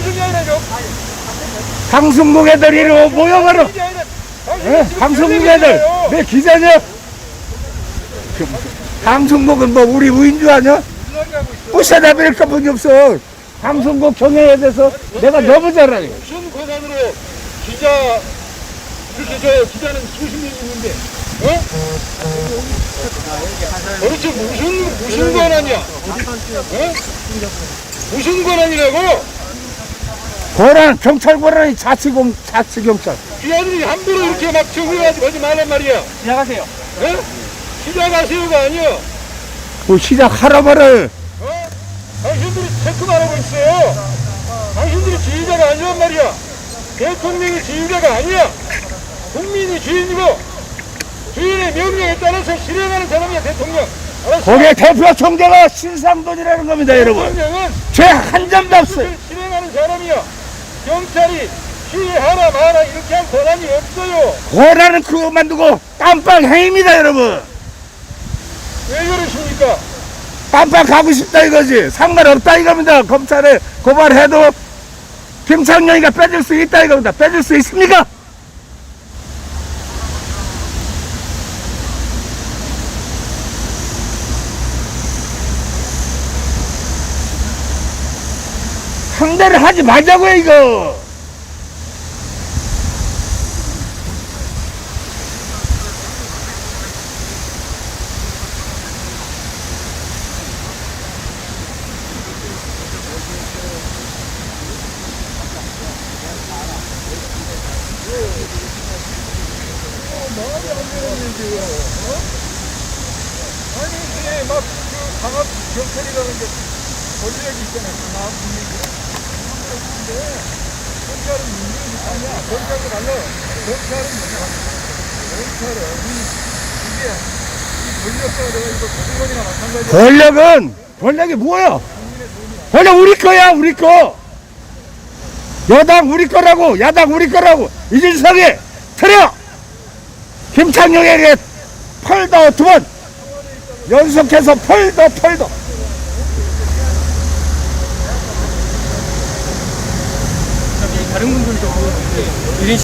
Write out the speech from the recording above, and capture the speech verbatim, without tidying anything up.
방송이 아니라 방송국 애들 이리 모여가라. 예? 방송국 애들 내 기자냐? 방송국은 뭐 우리 우인 줄 아냐? 부셔다버릴 것뿐이 없어. 방송국 경영에 대해서 내가 너무 잘 알아요. 무슨 권한으로 기자 그렇게 저 기자는 수십 명 있는데 어? 도대체 무슨 무슨 권한이야? 어? 무슨 권한이라고? 권한 경찰 권한이 자치공 자치경찰. 이 아들이 함부로 이렇게 막 정리가지고 하지 말란 말이야. 시작하세요. 어? 시작하세요가 아니야. 뭐 시작하라 말을. 어? 당신들이 체크만 하고 있어요. 당신들이 지휘자가 아니란 말이야. 대통령이 지휘자가 아니야. 국민이 주인이고 주인의 명령에 따라서 실행하는 사람이야 대통령. 알았어? 거기에 대표 총재가 신상돈이라는 겁니다, 여러분. 대통령은 죄 한 점도 없어요. 그것을 실행하는 사람이야. 경찰이 시위하라 마라 이렇게 할 권한이 없어요. 권한은 그것만 두고 깜빡 행입니다, 여러분. 왜 그러십니까? 깜빡 가고 싶다 이거지. 상관없다 이겁니다. 검찰에 고발해도 김창룡이가 빼줄 수 있다 이겁니다. 빼줄 수 있습니까? 상대를 하지 말자고요 이거. 아니 이게 막그 강압 경찰이라는 게 권력이 있잖아요. 강압 국민이. 근데 경찰은 민중이 아니야. 경찰도 달라. 경찰은 뭐냐? 경찰은 이게 이 권력과 내가 이거 공무원이나 마찬가지야. 권력은 권력이 뭐야? 권력 우리 거야 우리 거. 여당 우리 거라고 야당 우리 거라고. 이준석이 틀어. 김창룡에게 펄더 두 번 연속해서 펄더 펄더. 다른 분들도